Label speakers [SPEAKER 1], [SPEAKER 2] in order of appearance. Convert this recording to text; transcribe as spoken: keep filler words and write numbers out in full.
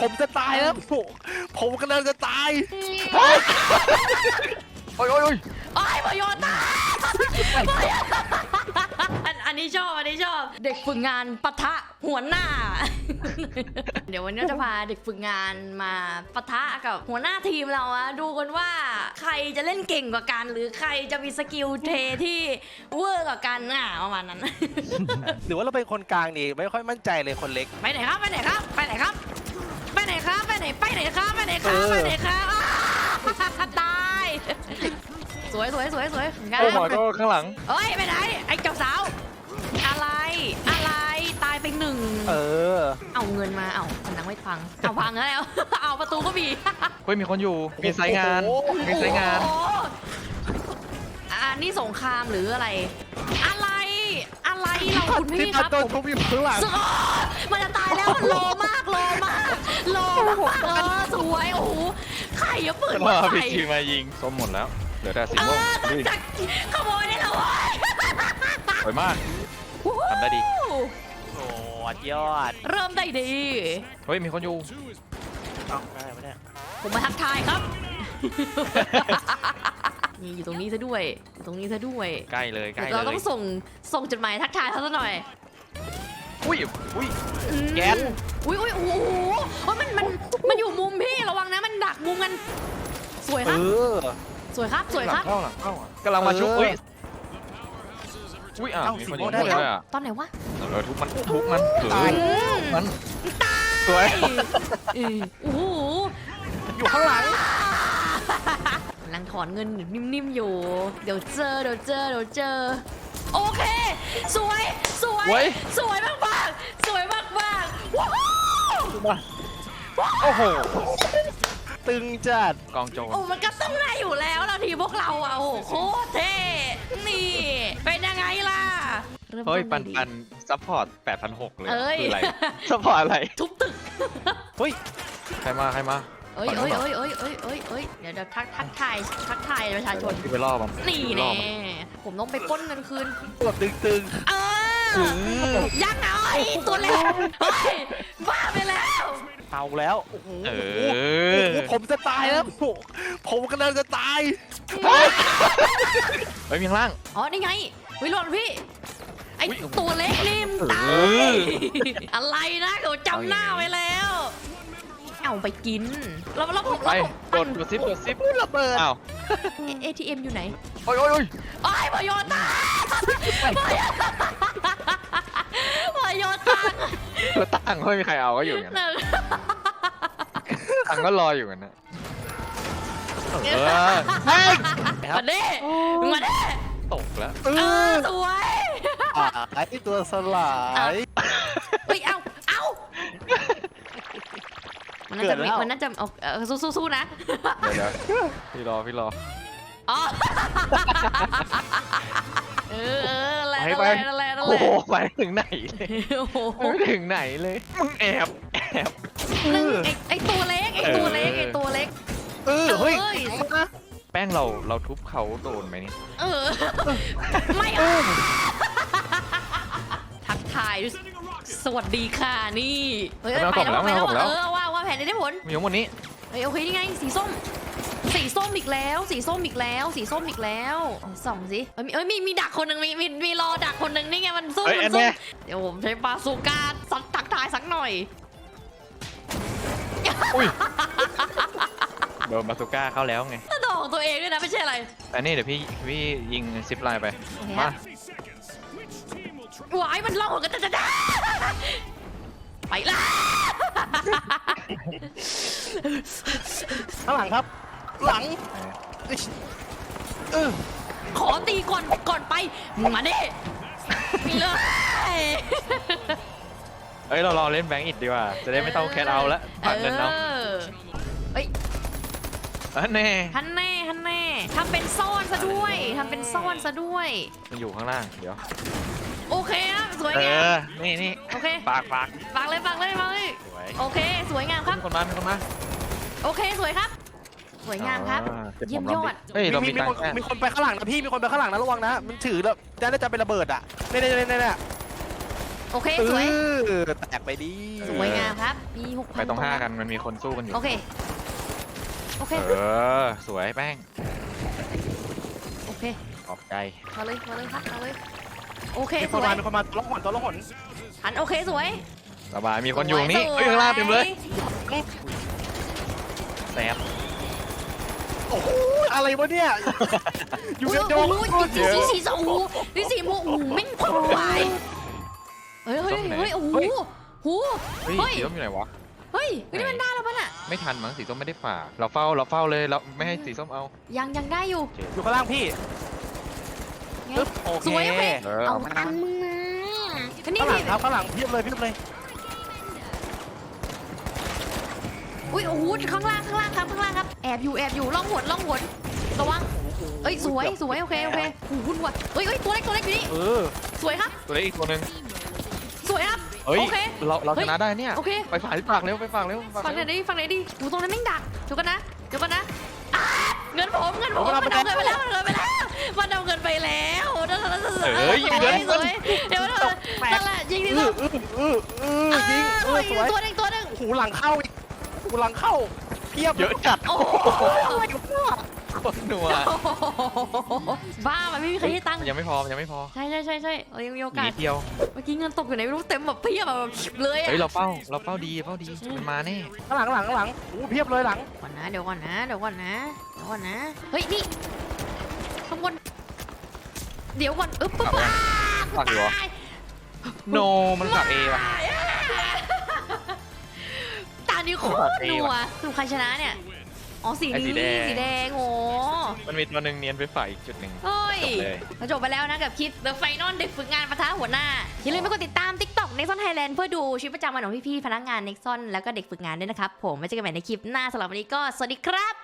[SPEAKER 1] ผมจะตายแล้วผมผมกำลังจะตายโอ้ยโอ้ยโอ้ย
[SPEAKER 2] โอ้ยพยนตาอันอันนี้ชอบอันนี้ชอบเด็กฝึกงานปะทะหัวหน้า เดี๋ยววันนี้จะพาเด็กฝึกงานมาปะทะกับหัวหน้าทีมเราอะดูกันว่าใครจะเล่นเก่งกว่ากัน หรือใครจะมีสกิลเทที่เวอร์กว่ากันอ่ะประมาณนั้น
[SPEAKER 1] หรือว่าเราเป็นคนกลางนี่ไม่ค่อยมั่นใจเลยคนเล็ก
[SPEAKER 2] ไปไหนครับไปไหนครับไปไหนครับไปไหนครับไปไหนไปไหนครับไปไหนครับไปไหนครับอ้าวตายสวยสวยสวยสวยงาน
[SPEAKER 3] โอ้หมอก็ข้างหลัง
[SPEAKER 2] เอ้ยไปไหนไอ้เจ้าสาวอะไรอะไรตายไปหนึ่ง
[SPEAKER 1] เออ
[SPEAKER 2] เอาเงินมาเอาผนังไม่พังเอาพังแล้ว เอาประตูก็มี
[SPEAKER 3] เฮ้ยมีคนอยู่มีไซต์งานมีไซต์งาน
[SPEAKER 2] โอ้โหอันนี้สงครามหรืออะไร อะไรอะไรเราคุณพี่ครับ
[SPEAKER 1] ตัว
[SPEAKER 2] ผม
[SPEAKER 1] ทุบอยู่ข้างหลัง
[SPEAKER 2] สุดมันจะตายแล้วโลมากโลมากโลมากเออสวยโอ้โหไข่อะเปิดมา
[SPEAKER 3] ว่าพี่
[SPEAKER 2] ใส่
[SPEAKER 3] ทีมายิงส้มหมดแล้วเหลือแต่สี
[SPEAKER 2] เอ
[SPEAKER 3] ม่วง
[SPEAKER 2] อ
[SPEAKER 3] ลุย
[SPEAKER 2] จะขโมยได้แล้วเว้ย
[SPEAKER 3] สวยมากทำได้ดี
[SPEAKER 1] โอ้ยอด
[SPEAKER 2] เริ่มได้ดี
[SPEAKER 3] เฮ้ยมีคนอยู่
[SPEAKER 1] เอาได้ไหมเนี่ย
[SPEAKER 2] ผมมาทักทายครับ นี่อยู่ตรงนี้ซะด้วยอยู่ตรงนี้ซะด้วย
[SPEAKER 3] ใกล้เลยใกล้
[SPEAKER 2] เดี๋ยว
[SPEAKER 3] เล
[SPEAKER 2] เราต้อย งส่งส่งจดหมายทักทายเขาซะหน่อย
[SPEAKER 3] อุ้ย
[SPEAKER 1] อุ้ย
[SPEAKER 2] อืม
[SPEAKER 1] แก๊ส
[SPEAKER 2] อุ้ยอุ้ยโอ้โหเฮ้ยมันมันมันอยู่มุมพี่ระวังนะมันดักมุมกัน สวยค
[SPEAKER 1] เอ
[SPEAKER 2] รับ
[SPEAKER 1] อ
[SPEAKER 2] สวยครับสวย
[SPEAKER 3] ห
[SPEAKER 2] ค
[SPEAKER 3] ลั
[SPEAKER 2] รับ
[SPEAKER 3] งเข้าหลังเข้าอ่ะกำลังมาชุบ
[SPEAKER 1] เออ
[SPEAKER 3] อุ้ยอุ้ยอ่ะ
[SPEAKER 1] เอ้า
[SPEAKER 3] มี
[SPEAKER 1] สี
[SPEAKER 3] คน
[SPEAKER 1] ม่
[SPEAKER 3] ยิ
[SPEAKER 1] วง
[SPEAKER 3] ง
[SPEAKER 1] ได้
[SPEAKER 3] ด้วย
[SPEAKER 1] แล้ว
[SPEAKER 3] อ่ะ
[SPEAKER 2] ตอนไหนวะ
[SPEAKER 3] เออทุบมันทุบมันเอ
[SPEAKER 1] ตาย
[SPEAKER 3] อมัน
[SPEAKER 2] ตาย
[SPEAKER 3] สวย
[SPEAKER 2] เออโอ้โห
[SPEAKER 1] อยู่ข้างหลัง
[SPEAKER 2] กำลังถอนเงินนิ่มๆอยู่ เดี๋ยวเจอเดี๋ยวเจอเดี๋ยวเจอ โอเค สวย สวย สวยมากมากๆสวยมากมากๆว้าว
[SPEAKER 3] โอ้โห
[SPEAKER 1] ตึงจัด
[SPEAKER 3] กองโจร
[SPEAKER 2] โอ้มันก็ต้องได้อยู่แล้วเราทีมพวกเราอ่ะโอ้โหโคตรเท่ นี่ เป็นยังไงล่ะริ่ม
[SPEAKER 3] เฮ้ย
[SPEAKER 2] ต้
[SPEAKER 3] ปัน
[SPEAKER 2] ได้ดี
[SPEAKER 3] ปันซัพพอร์ตแปดพันหกเลย
[SPEAKER 2] เอ้ย
[SPEAKER 3] คืออะไรซัพพอร์ตอะไร
[SPEAKER 2] ทุบตึก
[SPEAKER 1] เฮ้ย
[SPEAKER 3] ใครมาใครมา
[SPEAKER 2] เอ้ยเอ้ยเอ้ยเอ้ยเอ้ยเอ้ยเอ้ยเดี๋ยวเดี๋ยวทักทักทายทักทายประชาชน
[SPEAKER 3] ที่ไปล่อมัน
[SPEAKER 2] นี่
[SPEAKER 3] ไปล่อ
[SPEAKER 2] แน่
[SPEAKER 3] มัน
[SPEAKER 2] ผมต้องไปปล้นเงินคืน
[SPEAKER 1] ตัวตึงตึง
[SPEAKER 2] เออยังเอาไอ้ตัวเล็กเฮ้ยบ้าไปแล้ว
[SPEAKER 1] เอาแล้วโอ้โห
[SPEAKER 3] เอ
[SPEAKER 1] โอ้โห
[SPEAKER 3] อ
[SPEAKER 1] ผมจะตายแล้วผมผมกำลังจะตาย
[SPEAKER 3] เฮ้ยมีข้างล่าง
[SPEAKER 2] อ๋อนี่ไงวิโรจน์พี่ไอ้
[SPEAKER 3] อุ๊ย
[SPEAKER 2] ตัวเล็กนี่มนตา
[SPEAKER 3] เอย อ
[SPEAKER 2] อะไรนะเขาจำหน้าไว้แล้ว เอาไปกินแล้วแล้วผม
[SPEAKER 3] ไป
[SPEAKER 2] แล้วผม
[SPEAKER 3] กดกดซิปกดซิป
[SPEAKER 1] ระเบิด
[SPEAKER 3] อ้าว
[SPEAKER 2] เอทีเอ็มอยู่ไหน
[SPEAKER 3] โอ้ยโอ้ยโอ้ย
[SPEAKER 2] โอ้ยพยนตาพยนตา
[SPEAKER 3] แล้วตังค์ไม่มีใครเอาก็อยู่อย่างนั้นตังค์ก็รออยู่กันนะเออ
[SPEAKER 1] เฮ้ย
[SPEAKER 2] มาเด้มาเด้
[SPEAKER 3] ตกแล้ว
[SPEAKER 1] เอ
[SPEAKER 2] เออ
[SPEAKER 1] อ
[SPEAKER 2] สวย
[SPEAKER 1] ไอ้ตัวสลาย
[SPEAKER 2] เฮ้ยเอาเอามันน่าจะ
[SPEAKER 1] เกิดแล้ว
[SPEAKER 2] มันน่าจะเอาเออสู้สู้ๆนะ
[SPEAKER 3] เดี๋ยวเดี๋ยวพี่รอพี่รอ
[SPEAKER 2] อ๋อเออเออนั่นแหละ
[SPEAKER 3] ไป
[SPEAKER 2] นั่น
[SPEAKER 3] ไป
[SPEAKER 2] แหละนั่นแหละนั่น
[SPEAKER 3] โอ้
[SPEAKER 2] แหละ
[SPEAKER 3] โหไปถึงไหนเลย
[SPEAKER 2] โอ้โห
[SPEAKER 3] ไม่ถึงไหนเลยมึงแอบแอบ
[SPEAKER 2] นึงไอ้ไอ้ตัวเล็กไอ้ตัวเล็กไอ้ตัวเล็ก
[SPEAKER 1] เออเฮ้ย
[SPEAKER 2] เอ้ย
[SPEAKER 3] แป้งเราเราทุบเขาโดนไหมนี่
[SPEAKER 2] เออไม่เอาทักทายด้วยสวัสดีค่ะนี่เฮ้ยเอ้ยไปแล้วไปแล้วเออว่าว่าแผนนี้ได้ผล
[SPEAKER 3] มีทั้งหมดนี้
[SPEAKER 2] เฮ้ยโอเคนี่ไงสีส้ม สีส้มอีกแล้ว สีส้มอีกแล้ว สีส้มอีกแล้วส่องสิเอ้ยมีเอ้ยมีมีดักคนหนึ่งมีมีมีรอดักคนหนึ่งนี่ไงมันซุ่ม
[SPEAKER 3] เอ้ย
[SPEAKER 2] มั
[SPEAKER 3] อั
[SPEAKER 2] น
[SPEAKER 3] น
[SPEAKER 2] ซุ่
[SPEAKER 3] เนี้
[SPEAKER 2] ม
[SPEAKER 3] ย
[SPEAKER 2] เดี๋ยวผมใช้ปาสูกาสักทักทายสักหน่อย
[SPEAKER 3] อุ้ยโดนบาซูก้าเข้าแล้วไง
[SPEAKER 2] ถ้าดอกตัวเองด้วยนะไม่ใช่อะไร
[SPEAKER 3] แต่นี่เดี๋ยวพี่พี่ยิงซิปไลน์ไป
[SPEAKER 2] โอเค
[SPEAKER 3] มา
[SPEAKER 2] หวายมันล่องกันจะจะได้ไปละ
[SPEAKER 1] ข้างหลังครับ หลังเออ
[SPEAKER 2] ขอตีก่อนก่อนไปมาดิมีเลย
[SPEAKER 3] เอ้ยเรารอเล่นแบงก์อิดดีกว่าจะได้ไม่ต้องแคทเอาแล้วฝากเงินเอา
[SPEAKER 2] เออเฮ้ย
[SPEAKER 3] อันแน่
[SPEAKER 2] ฮันแน่ฮันแน่ทำเป็นซ่อนซะด้วยทำเป็นซ่อนซะด้วย
[SPEAKER 3] มันอยู่ข้างล่างเดี๋ยว
[SPEAKER 2] โอเคครับสวย
[SPEAKER 3] เอง
[SPEAKER 2] าม
[SPEAKER 3] อนี่นี่
[SPEAKER 2] โอเค
[SPEAKER 3] ปากปาก
[SPEAKER 2] ฝากเลยฝากเลยฝากเลย
[SPEAKER 3] สวย
[SPEAKER 2] โอเค สวยงามครับ
[SPEAKER 3] มีคนมามีคนมา
[SPEAKER 2] โอเคสวยครับ สวยงามครับ
[SPEAKER 3] อ่าก็บ
[SPEAKER 2] เยี่ยม
[SPEAKER 3] ขง
[SPEAKER 2] ย
[SPEAKER 3] รา
[SPEAKER 2] อด
[SPEAKER 3] เฮ้ยเรา
[SPEAKER 1] มี
[SPEAKER 3] มี
[SPEAKER 1] มี
[SPEAKER 3] ตัง
[SPEAKER 1] คน
[SPEAKER 3] ค์แค่
[SPEAKER 1] มีคนไปข้างหลังนะพี่มีคนไปข้างหลังนะระวังนะมันถือแล้วจะน่าจะเป็นระเบิดอ่ะเนี่ยเนี่ยเนี่ยเนี่ย
[SPEAKER 2] โอเคสวย
[SPEAKER 1] เออแตกไปดิ
[SPEAKER 2] สวยงามครับมีหกพัน
[SPEAKER 3] ไปตรงห้ากันมันมีคนสู้กันอยู่
[SPEAKER 2] โอเคโอเค
[SPEAKER 3] เออสวยแป้ง
[SPEAKER 2] โอเค
[SPEAKER 3] ขอบใจ
[SPEAKER 2] มาเลยมาเลยครับมาเลยโอเค
[SPEAKER 1] มี
[SPEAKER 2] ส
[SPEAKER 1] คน
[SPEAKER 2] ว
[SPEAKER 1] มาย มีคนมาตัวละหนตัวละหน
[SPEAKER 2] หันโอเคสวย
[SPEAKER 3] สบายมีคนอยู่นี่
[SPEAKER 2] สว
[SPEAKER 3] เฮ้ยข้างล่างเต็มเลย
[SPEAKER 2] สว
[SPEAKER 3] แซบ
[SPEAKER 1] โอ้โหอะไรวะเนี่ยอยู่
[SPEAKER 2] อุ้ย
[SPEAKER 1] ในโด
[SPEAKER 2] โอ้
[SPEAKER 1] ม
[SPEAKER 2] โหสีสีสีสองหูสีสีโมโอ้โหแม่งพังไปเฮ้ยเฮ้ยเฮ้ยโอ้โหหู
[SPEAKER 3] เฮ้ย
[SPEAKER 2] เฮ้ย
[SPEAKER 3] สีส้มอยู่ไหนวะ
[SPEAKER 2] เฮ้ยนี่มันได้แล้วป่ะน่ะ
[SPEAKER 3] ไม่ทันมั้งสีส้มไม่ได้ฝ่าเราเฝ้าเราเฝ้าเลยเราไม่ให้สีส้มเอา
[SPEAKER 2] ยังยังได้อยู่
[SPEAKER 1] อยู่ข้างล่างพี่
[SPEAKER 2] ไง
[SPEAKER 1] ปึ๊บโอ
[SPEAKER 2] สวยโอเค
[SPEAKER 1] เค
[SPEAKER 3] เออ
[SPEAKER 2] เอาอันมึงมาอันนี้
[SPEAKER 1] ข้างหลัง
[SPEAKER 2] พี่
[SPEAKER 1] ครับข้างหลังเพียบเลยเพียบเลย
[SPEAKER 2] อุ้ยโอ้โหข้างล่างข้างล่างครับข้างล่างครับแอบอยู่แอบอยู่ล่องหนล่องหนระวังเอ้ยสวยสวยโอเคโอเคโอ้โหวุ่นวายเอ้ยเอ้ยตัวเล็กตัวเล็กอยู่นี่
[SPEAKER 1] เออ
[SPEAKER 2] สวยครับ
[SPEAKER 3] ตัวเล็กอีกตัวหนึ่ง
[SPEAKER 2] สวยครับ
[SPEAKER 3] เฮ้ย
[SPEAKER 2] โอเค
[SPEAKER 3] เราเรา
[SPEAKER 2] เฮ้
[SPEAKER 3] ช
[SPEAKER 2] ย
[SPEAKER 3] นะได้เนี่ย
[SPEAKER 2] โอเค
[SPEAKER 3] ไปฝากที่ปากเร็วไปฝากเร็วฝาก
[SPEAKER 2] ฟังไหน
[SPEAKER 3] เร็ว
[SPEAKER 2] ดิฟังไหนดิหูตรงนั้นแม่งดักเดี๋ยวกันนะเดี๋ยวกันนะอ่าเงินผมเงินผมมันเอาเงินไปแล้วมันเอาเงินไปแล้วมันเอาเงินไปแล้วนั่นแหละสวยสวยเดี๋ยวนั่นแหละยิงดิ
[SPEAKER 1] เอ
[SPEAKER 2] ลู
[SPEAKER 1] อก เออเออเออยิงเออสวย
[SPEAKER 2] ตัวหนึ่งตัวหนึ่ง
[SPEAKER 1] หูหลังเข้าอีกหูหลังเข้าเพียบ
[SPEAKER 3] เยอะจัด
[SPEAKER 2] โอ้
[SPEAKER 3] คนหนัว
[SPEAKER 2] บ้ามันไม่มีใครให้ตังค์
[SPEAKER 3] ยังไม่พอยังไม่พอ
[SPEAKER 2] ใช่ใช่ใช่ใช่เรายังมีโอ
[SPEAKER 3] ห
[SPEAKER 2] กา
[SPEAKER 3] นี
[SPEAKER 2] ส
[SPEAKER 3] เดียว
[SPEAKER 2] เมื่อกี้เงินตกอยู่ไหนไม่รู้เต็มแบบเพียบแบบเลยอะ
[SPEAKER 3] เฮ้ยเราเฝ้าเราเฝ้าดีเฝ้าดีมันมาแน่
[SPEAKER 1] ข้างหลังข้างหลังข้างหลังหูเพียบเลยหลัง
[SPEAKER 2] ก่อนนะเดี๋ยวก่อนนะเดี๋ยวก่อนนะเดี๋ยวก่อนนะเฮ้ยนี่ข้างบนเดี๋ยวก่อนอึ๊บปึ๊บ
[SPEAKER 3] ฝากอยู่เหรอ โนมันฝากเอว่ะ
[SPEAKER 2] ตานี้โคตรหนัวสรุปใครชนะเนี่ยอ๋อสี
[SPEAKER 3] ไอ้สี
[SPEAKER 2] นี้
[SPEAKER 3] แดง
[SPEAKER 2] สีแดงโอ้
[SPEAKER 3] มันมีตัวหนึ่งเนียนไปฝ่ายอีกจุดหนึ่ง
[SPEAKER 2] เฮ้ย
[SPEAKER 3] จบเลย
[SPEAKER 2] เราจบไปแล้วนะกับคลิป The Final เด็กฝึกงานปะทะหัวหน้า อย่าลืมไปกดติดตาม TikTok Nexon Thailand เพื่อดูชีวิตประจำวันของพี่ๆพนักงาน Nexon แล้วก็เด็กฝึกงานด้วยนะครับ ผมไว้เจอกันใหม่ในคลิปหน้าสำหรับวันนี้ก็สวัสดีครับ